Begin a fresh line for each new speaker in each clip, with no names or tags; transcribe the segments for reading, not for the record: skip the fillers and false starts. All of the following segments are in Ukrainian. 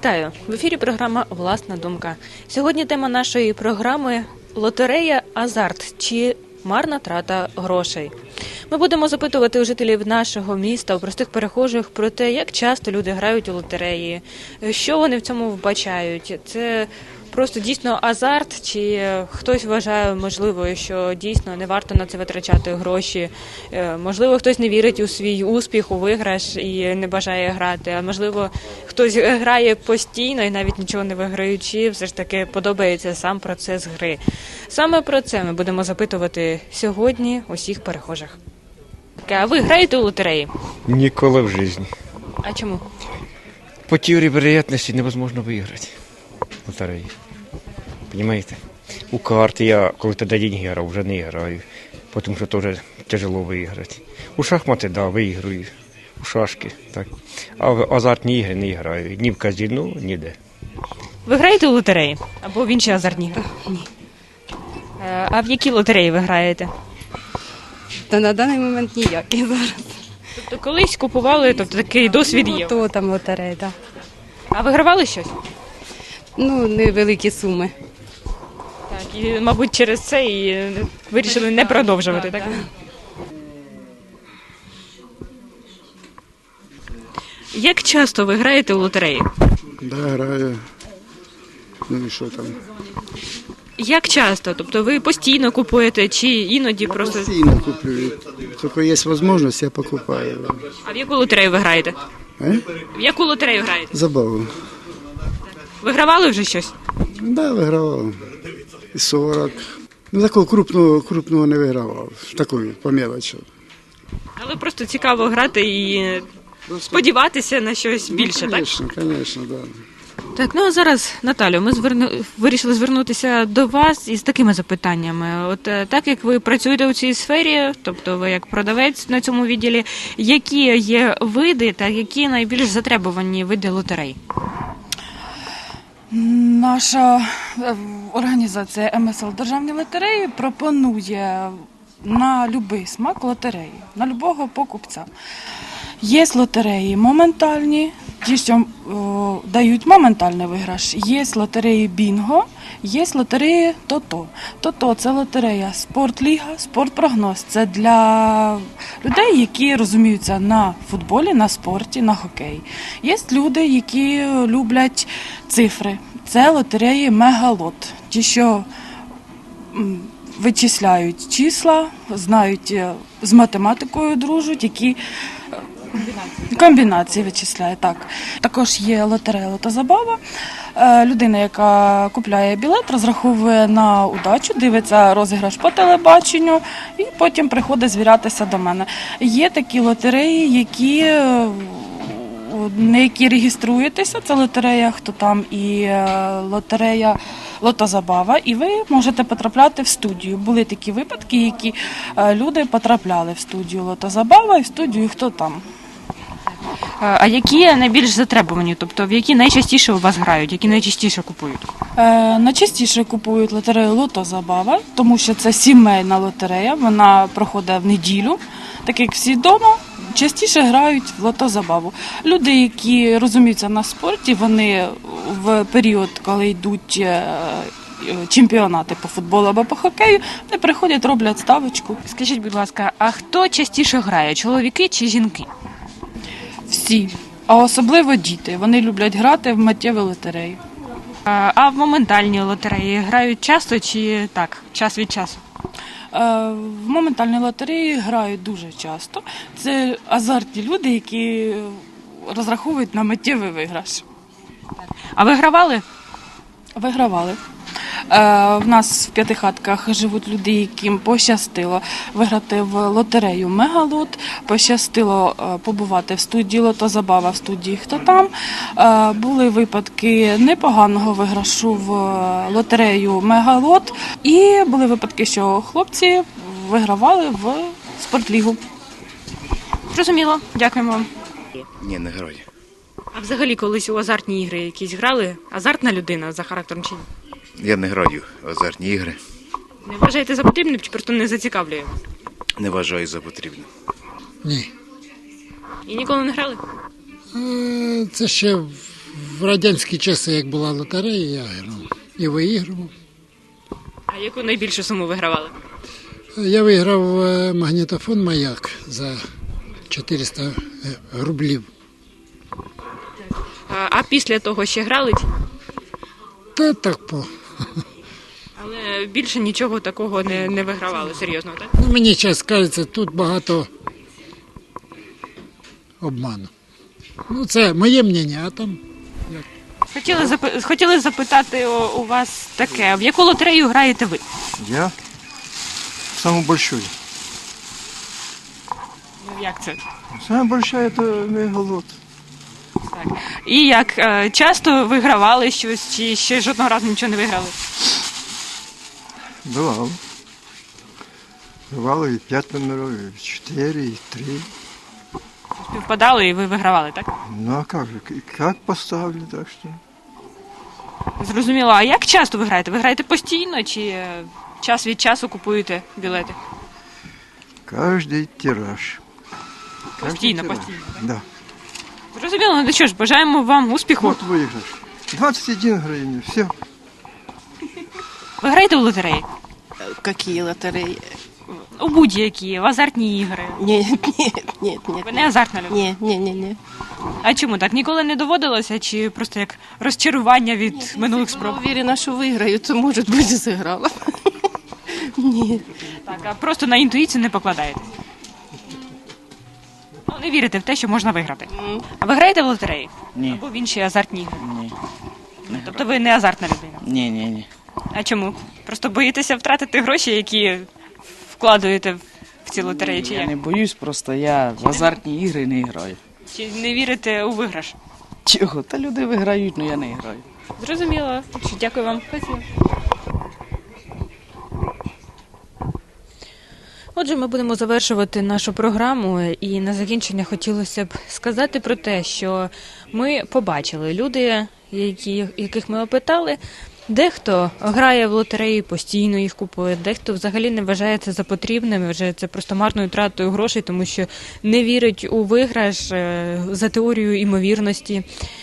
Вітаю! В ефірі програма «Власна думка». Сьогодні тема нашої програми – лотерея «Азарт» чи марна трата грошей. Ми будемо запитувати у жителів нашого міста, у простих перехожих про те, як часто люди грають у лотереї, що вони в цьому вбачають. Це просто дійсно азарт, чи хтось вважає, можливо, що дійсно не варто на це витрачати гроші. Можливо, хтось не вірить у свій успіх, у виграш і не бажає грати. А можливо, хтось грає постійно і навіть нічого не виграючи, все ж таки подобається сам процес гри. Саме про це ми будемо запитувати сьогодні усіх перехожих. А ви граєте у лотереї?
Ніколи в житті.
А чому?
По теорії вероятності невозможно виграти в лотереї. Понимаєте? У карти я, коли тоді деньги грав, вже не граю, тому що теж тяжело виграти. У шахмати, да, виграю, у шашки, так. А в азартні ігри не граю, ні в казино, ніде.
Ви граєте у лотереї? Або в інші азартні ігри? Ні. А в які лотереї ви граєте?
Та на даний момент ніякі зараз.
Тобто колись купували, тобто такий досвід є?
То там лотерея, так.
А вигравали щось?
Ну, невеликі суми.
Так, і, мабуть, через це і вирішили не продовжувати, так? Як часто ви граєте у лотереї?
Да, граю. Ну і що там?
Як часто? Тобто ви постійно купуєте чи іноді просто...
Постійно куплю. Тільки є можливість, я покупаю.
А в яку лотерею ви граєте? В яку лотерею граєте?
Забаву.
Вигравали вже щось?
Да, вигравав. І 40. Ну, такого крупного не вигравав. Такої, по мелочі.
Але просто цікаво грати і сподіватися на щось більше, так?
Звісно, звісно, так. Да.
Так, ну а зараз, Наталю, ми вирішили звернутися до вас із такими запитаннями. От так як ви працюєте у цій сфері, тобто ви як продавець на цьому відділі, які є види та які найбільш затребувані види лотерей?
Наша організація МСЛ Державні лотереї пропонує на будь-який смак лотереї, на будь-якого покупця. Є лотереї моментальні, ті, що дають моментальний виграш. Є лотереї бінго, є лотереї тото. Тото – це лотерея спортліга, спортпрогноз. Це для людей, які розуміються на футболі, на спорті, на хокеї. Є люди, які люблять цифри. Це лотереї мегалот. Ті, що вичисляють числа, знають, з математикою дружать, які комбінації вичисляє, так. Також є лотерея «Лотозабава». Людина, яка купляє білет, розраховує на удачу, дивиться розіграш по телебаченню і потім приходить звірятися до мене. Є такі лотереї, на які реєструєтеся, це лотерея «Хто там» і лотерея «Лотозабава», і ви можете потрапляти в студію. Були такі випадки, які люди потрапляли в студію «Лотозабава» і в студію «Хто там».
А які найбільш затребувані, тобто в які найчастіше у вас грають, які найчастіше купують?
Найчастіше купують лотерею «Лотозабава», тому що це сімейна лотерея, вона проходить в неділю, так як всі вдома. Частіше грають в «Лотозабаву». Люди, які розуміються на спорті, вони в період, коли йдуть чемпіонати по футболу або по хокею, вони приходять, роблять ставочку.
Скажіть, будь ласка, а хто частіше грає, чоловіки чи жінки?
Всі, а особливо діти. Вони люблять грати в миттєві лотереї.
А в моментальні лотереї грають часто чи так, час від часу?
В моментальній лотереї грають дуже часто. Це азартні люди, які розраховують на миттєвий виграш.
А ви гравали?
Вигравали. В нас в П'ятихатках живуть люди, яким пощастило виграти в лотерею «Мегалот», пощастило побувати в студії «Лотозабава», в студії «Хто там». Були випадки непоганого виграшу в лотерею «Мегалот», і були випадки, що хлопці вигравали в спортлігу.
Зрозуміло, дякуємо вам.
Ні, не граю.
А взагалі колись у азартні ігри якісь грали? Азартна людина за характером чи ні?
Я не граю в азартні ігри.
Не вважаєте за потрібним чи просто не зацікавлює?
Не вважаю за потрібне.
Ні.
І ніколи не грали?
Це ще В радянські часи, як була лотерея, я грав і виіграв.
А яку найбільшу суму вигравали?
Я виграв магнітофон «Маяк» за 400 рублів.
А після того ще грали?
Та так по.
Але більше нічого такого не вигравали, серйозно, так?
Ну, мені час кажеться, тут багато обману. Ну, це моє мнення, а там
Хотіли запитати у вас таке, в яку лотерею граєте ви?
Я самую большую.
Як це?
Самая большая это мегалот.
І як, часто вигравали щось, чи ще жодного разу нічого не виграли?
Бывало. Бывало и 5 номеров, и 4, и 3.
Співпадали і ви вигравали, так?
Ну а как же, как поставили, так что.
Зрозуміло, а як часто ви граєте? Ви граєте постійно чи час від часу купуєте білети?
Каждый тираж.
Постійно,
тираж.
постійно.
Да.
Зрозуміло, ну що ж, бажаємо вам успіху.
Вот выигрыш. 21 гривен, все.
Ви граєте в лотереї?
Какие лотереи?
У будь-які, в азартні ігри.
Нет.
Ви не азартна людина?
Не.
А чому так? Ніколи не доводилося, чи просто як розчарування від минулих
Я
спроб?
уверена, что выиграю, то, может быть, сыграла. Нет.
Так, а просто на інтуїцію не покладаєтесь? Ну, не вірите в те, що можна виграти. А ви граєте в лотереї?
Ні.
Або в інші азартні ігри?
Ні.
Тобто ви не азартна людина?
Ні.
А чому? Просто боїтеся втратити гроші, які вкладуєте в ці лотереї, чи
Я
як?
не боюсь, просто я в азартні ігри не граю.
Чи не вірите у виграш?
Чого? Та люди виграють, але я не граю.
Зрозуміло. Дякую вам. Спасибо. Отже, ми будемо завершувати нашу програму, і на закінчення хотілося б сказати про те, що ми побачили люди, яких ми опитали. Дехто грає в лотереї, постійно їх купує, дехто взагалі не вважає це за потрібним, вважає це просто марною тратою грошей, тому що не вірить у виграш за теорією імовірності.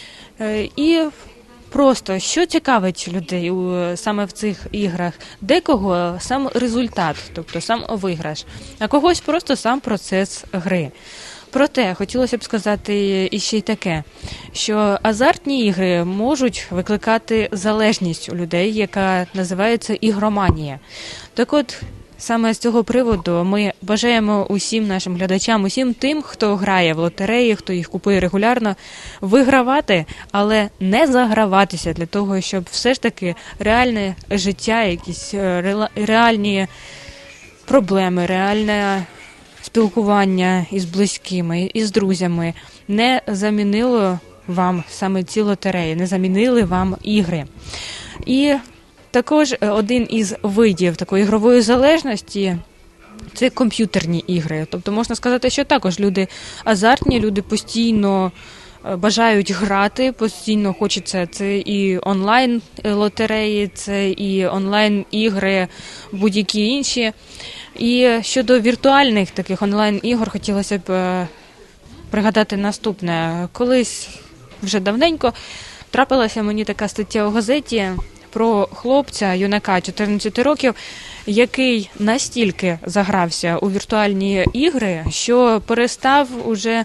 І просто, що цікавить людей саме в цих іграх? Декого сам результат, тобто сам виграш, а когось просто сам процес гри. Проте, хотілося б сказати іще й таке, що азартні ігри можуть викликати залежність у людей, яка називається ігроманія. Так от, саме з цього приводу ми бажаємо усім нашим глядачам, усім тим, хто грає в лотереї, хто їх купує регулярно, вигравати, але не заграватися для того, щоб все ж таки реальне життя, якісь реальні проблеми, реальне спілкування із близькими, із друзями не замінило вам саме ці лотереї, не замінили вам ігри. І також один із видів такої ігрової залежності – це комп'ютерні ігри. Тобто можна сказати, що також люди азартні, люди постійно бажають грати, постійно хочеться. Це і онлайн-лотереї, це і онлайн-ігри, будь-які інші. І щодо віртуальних таких онлайн-ігор хотілося б пригадати наступне. Колись, вже давненько, трапилася мені така стаття у газеті про хлопця, юнака 14 років, який настільки загрався у віртуальні ігри, що перестав уже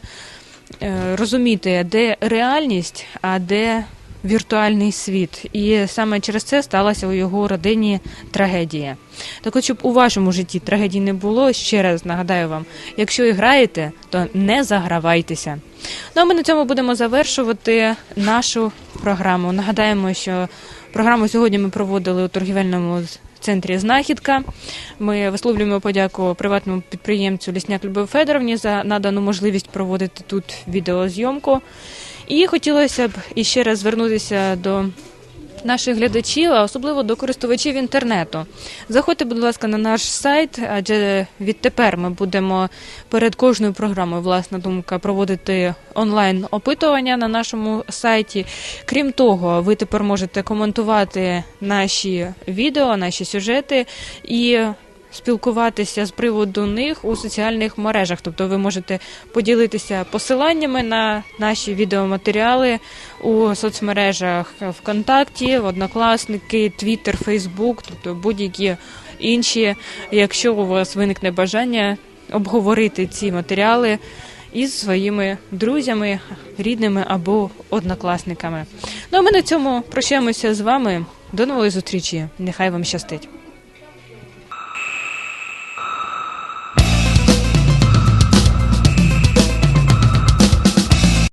розуміти, де реальність, а де віртуальний світ. І саме через це сталася у його родині трагедія. Так от, щоб у вашому житті трагедії не було, ще раз нагадаю вам, якщо і граєте, то не загравайтеся. Ну а ми на цьому будемо завершувати нашу програму. Нагадаємо, що програму сьогодні ми проводили у торгівельному центрі «Знахідка». Ми висловлюємо подяку приватному підприємцю Лісняк Любові Федоровні за надану можливість проводити тут відеозйомку. І хотілося б іще раз звернутися до наших глядачів, а особливо до користувачів інтернету. Заходьте, будь ласка, на наш сайт, адже відтепер ми будемо перед кожною програмою «Власна думка» проводити онлайн-опитування на нашому сайті. Крім того, ви тепер можете коментувати наші відео, наші сюжети і спілкуватися з приводу них у соціальних мережах. Тобто ви можете поділитися посиланнями на наші відеоматеріали у соцмережах ВКонтакті, Однокласники, Твіттер, Фейсбук, тобто будь-які інші, якщо у вас виникне бажання обговорити ці матеріали із своїми друзями, рідними або однокласниками. Ну а ми на цьому прощаємося з вами. До нової зустрічі. Нехай вам щастить.